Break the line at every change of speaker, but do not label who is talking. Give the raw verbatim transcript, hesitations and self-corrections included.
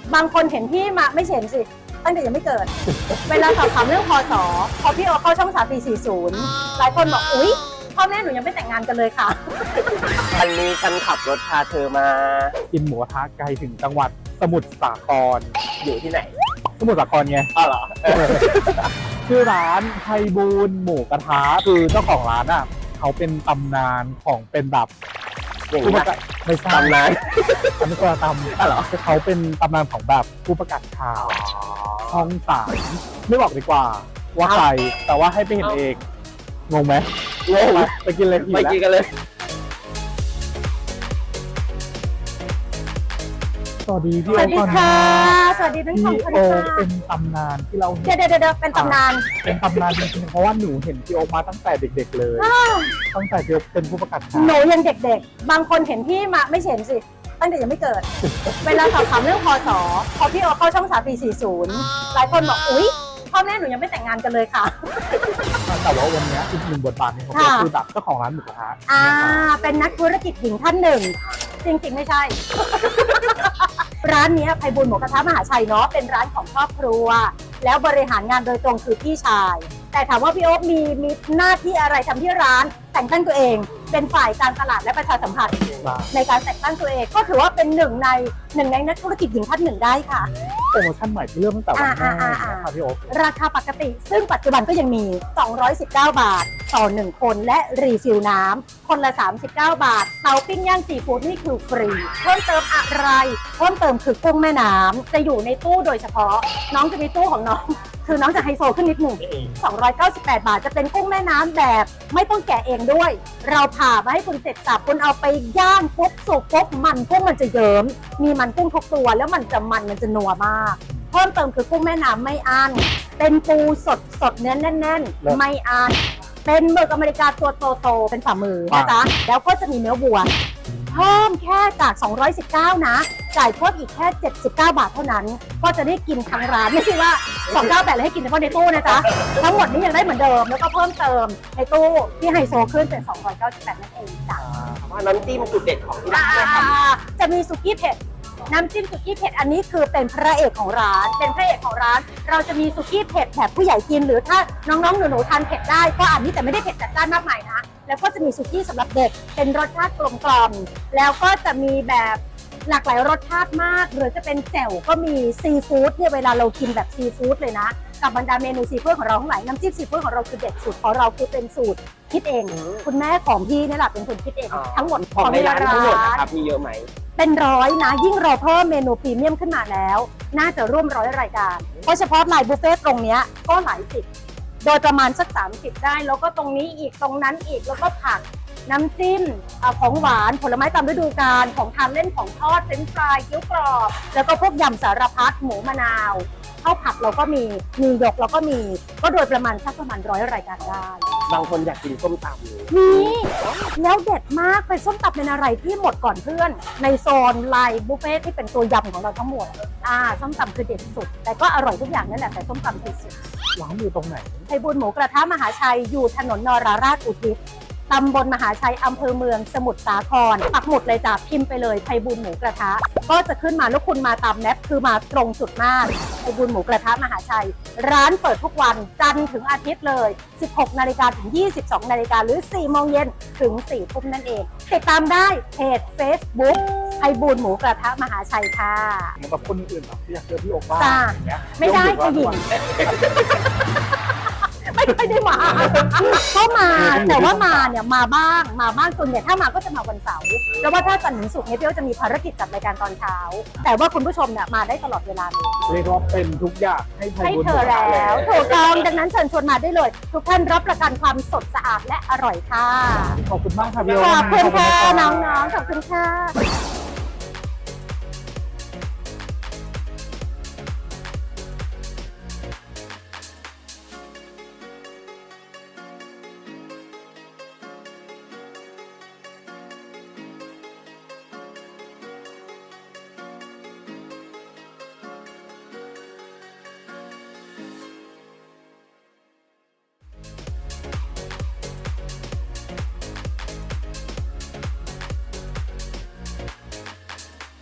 บางคนเห็นพี่มาไม่เห็นสิตั้งแต่ยังไม่เกิด เวลาสอบถามเรื่องพศพอพี่โอเข้าช่องสามปีสี่สิบหลายคนบอกอุ๊ยพ่อแม่หนูยังไม่แต่งงานกันเลยค่ะ
วันนี้ฉันขับรถพาเธอมา
กินหมูกระทะไกลถึงจังหวัดสมุทรสาคร
อยู่ที่ไหน
สมุทรสาครไง
อ้าวเหรอ
ชื่อร้านไพบูลย์หมูกระทะคือเจ้าของร้านอ่ะเขาเป็นตำนานของเป็นแบบ
อย่าง
ผู้
นี้
ประกาศไม่ใช่
ตำนาน
อันนี้คนละตำ
อ้าวเหรอ
เขาเป็นตำนานของแบบผู้ประกาศข่าวช่องสามไม่บอกดีกว่า ว่าใครแต่ว่าให้ไปเห็นเองงงไหม
งง
ไปไปกินเลยที
ไป
ละ
กินกันเลย
สวัสดีพี่
ส
โอ
วัสดี
ก่อน
ค่ะ
นะ
สวัสดีทั้งสอง
พี่
คน
โอ
ค่ะ
เป็นตำนานที่เรา
เดี๋
เห็
ยวน เดี๋ยวเดี๋ยวเป็นตำนาน
เป็นตำนานจริงๆเพราะว่าหนูเห็นพี่โอมาตั้งแต่เด็กๆเลย
อ้าว
ตั้งแต่พี่โอเป็นผู้ประกาศข่าว
หนูยังเด็กๆ บางคนเห็นพี่มาไม่เห็นสิตั้งแต่ยังไม่เกิด เวลาสอบถามเรื่องพศพอพี่โอเข้าช่องสามปีสี่สิบหลายคนบอกอุ๊ยพ่อแม่หนูยังไม่แต่งงานกันเลยค่ะ
แต่ว่าวันนี้อีกหนึ่งบทบาทที่เขาเป็น
ค่ะ
คือแบบเจ้าของร้านหมูกระทะ
อ่าเป็นนักธุรกิจหญิงท่านหนึ่ง จริงๆไม่ใช่ ร้านเนี้ยไพบูลย์หมูกระทะมหาชัยเนาะเป็นร้านของครอบครัว แล้วบริหารงานโดยตรงคือพี่ชาย แต่ถามว่าพี่โอ๊คมีมีหน้าที่อะไรทำที่ร้านแต่งตั้งตัวเอง เป็นฝ่ายการตลาดและประชาสัมพันธ์ในการแต่งตั้งตัวเอง ก็ถือว่าเป็นหนึ่งในหนึ่งในนักธุรกิจหญิงท่านหนึ่งได้ค่ะ
โปรโมชั่นใหม่ที่เริ่มตั้งแต่วันแรก
อ่าอ่าอ่า
นะคะพี่โอ๊ค
ราคาปกติซึ่งปัจจุบันก็ยังมี สองร้อยสิบเก้า บาท ต่อ หนึ่ง คนและรีฟิลน้ำคนละ สามสิบเก้า บาท เตาปิ้งย่างซีฟู้ดนี่คือฟรี เพิ่มเติมอะไร เพิ่มเติมคือกุ้งแม่น้ำจะอยู่ในตู้โดยเฉพาะ น้องจะมีตู้ของน้อง คือน้องจะไฮโซขึ้นนิดหนึ่ง สองร้อยเก้าสิบแปด บาทจะเป็นกุ้งแม่น้ำแบบไม่ต้องแกะเองด้วย เราผ่ามาให้คุณเสร็จสับคุณเอาไปย่างปุ๊บสุกปุ๊บมันกุ้งมันจะเยิ้มมีมันกุ้งทุกตัวแล้วมันจะมันมันจะนัวมาก เพิ่มเติมคือกุ้งแม่น้ำไม่อั้นเป็นปูสดสดเนื้อแน่นๆ ไม่อั้นเป็นหมึกอเมริกาตัวโตๆเป็นฝ่ามือนะจ๊ะแล้วก็จะมีเนื้อวัว เพิ่มแค่จาก สองร้อยสิบเก้า นะ จ่ายเพิ่มอีกแค่ เจ็ดสิบเก้า บาทเท่านั้น ก็จะได้กินทั้งร้าน ไม่ใช่ว่า สองร้อยเก้าสิบแปดเลยให้กินเฉพาะในตู้นะจ๊ะ ทั้งหมดนี้ยังได้เหมือนเดิม แล้วก็เพิ่มเติมในตู้ที่ไฮโซขึ้นเป็น สองร้อยเก้าสิบแปด นั่นเองจ้ะ
ว่าน้ำจิ้มจุดเด็ดของที่ร้า
อ่าน
นะครับ
จะมีสุกี้เผ็ด น้ำจิ้มสุกี้เผ็ดอันนี้คือเป็นพระเอกของร้าน เป็นพระเอกของร้าน เราจะมีสุกี้เผ็ดแบบผู้ใหญ่กินหรือถ้าน้องๆหนูๆทานเผ็ดได้ก็อันนี้แต่ไม่ได้เผ็ดจัดจ้านมากมายนะ แล้วก็จะมีสุกี้สำหรับเด็กเป็นรสชาติกลมกล่อมแล้วก็จะมีแบบหลากหลายรสชาติมาก หรือจะเป็นแจ่วก็มีซีฟู้ดเนี่ยเวลาเรากินแบบซีฟู้ดเลยนะกับบรรดาเมนูซีฟู้ดของเราทั้งหลายน้ำจิ้มซีฟู้ดของเราคือเด็ดสุดของเราคือเป็นสูตรคิดเอง คุณแม่ของพี่นี่แหละเป็นคนคิดเอง ทั้งหมด
ของในร้านทั้งหมดนะครับ มีเยอะไหม
เป็นร้อยนะยิ่งเราเพิ่มเมนูพรีเมียมขึ้นมาแล้ว น่าจะร่วมร้อยรายการ เพราะเฉพาะไลน์บุฟเฟ่ตรงเนี้ยก็หลายสิบโดยประมาณสักสามสิบได้ แล้วก็ตรงนี้อีกตรงนั้นอีกแล้วก็ผักน้ำจิ้มเอ่อของหวานผลไม้ตามฤดูกาลของทานเล่นของทอดเฟรนช์ฟรายเกี๊ยวกรอบแล้วก็พวกยำสารพัดหมูมะนาวข้าวผัดเราก็มีมีหยกเราก็มีก็โดยประมาณสักประมาณร้อยรายการได้
บางคนอยากกินส้มตำเลย
นี่แล้วเด็ดมากเป็นส้มตำเป็นอะไรที่หมดก่อนเพื่อน ในโซนไลน์บุฟเฟ่ที่เป็นตัวยำของเราทั้งหมดอ่าส้มตำคือเด็ดสุด แต่ก็อร่อยทุกอย่างนั่นแหละแต่ส้มตำคือสุด
ร้านอยู่ตรงไหน
ไพบูลย์หมูกระทะมหาชัยอยู่ถนนนราราชอุทิศตำบลมหาชัยอำเภอเมืองสมุทรสาครปักหมุดเลยจ้ะพิมพ์ไปเลยไพบูลย์หมูกระทะก็จะขึ้นมาแล้วคุณมาตามแมปคือมาตรงจุดมากไพบูลย์หมูกระทะมหาชัย ร้านเปิดทุกวันจันทร์ถึงอาทิตย์เลย สิบหกนาฬิกาถึง ยี่สิบสองนาฬิกาหรือ สี่โมงเย็นถึง สี่ทุ่มนั่นเอง ติดตามได้เพจ Facebook ไพบูลย์หมูกระทะมหาชัยค่ะ
เหมือนกับคนอื่นแบบที่อยากเจอพี่โอบ้าง
จ้า
อย่างเงี้ย
ไม่ได้
ยก
ค่ะหญิ
มื
ง
อ
ไม่ค่อยได้มาก็มาแต่ว่ามาเนี่ยมาบ้างมาบ้างส่วนใหญ่ถ้ามาก็จะมาวันเสาร์แล้วว่าถ้าจันทร์ถึงศุกร์เนี่ยพี่โอจะมีภารกิจจัดรายการตอนเช้า แต่ว่าคุณผู้ชมเนี่ยมาได้ตลอดเวลาเลย
เรียกว่าเป็นทุกอย่างให้ไพ
ให้
บูลย์
เธ
หมู
อก
ระทะ
แล้ว
แล้ว
ถูกต้องดังนั้นเชิญชวนมาได้เลย ทุกท่านรับประกันความสดสะอาดและอร่อยค่ะ
ขอบคุณมากค่ะพี่โอ
ขอบคุณค่ะ
ขอบณ
น้
รับ
องๆขอบคุณค่ะ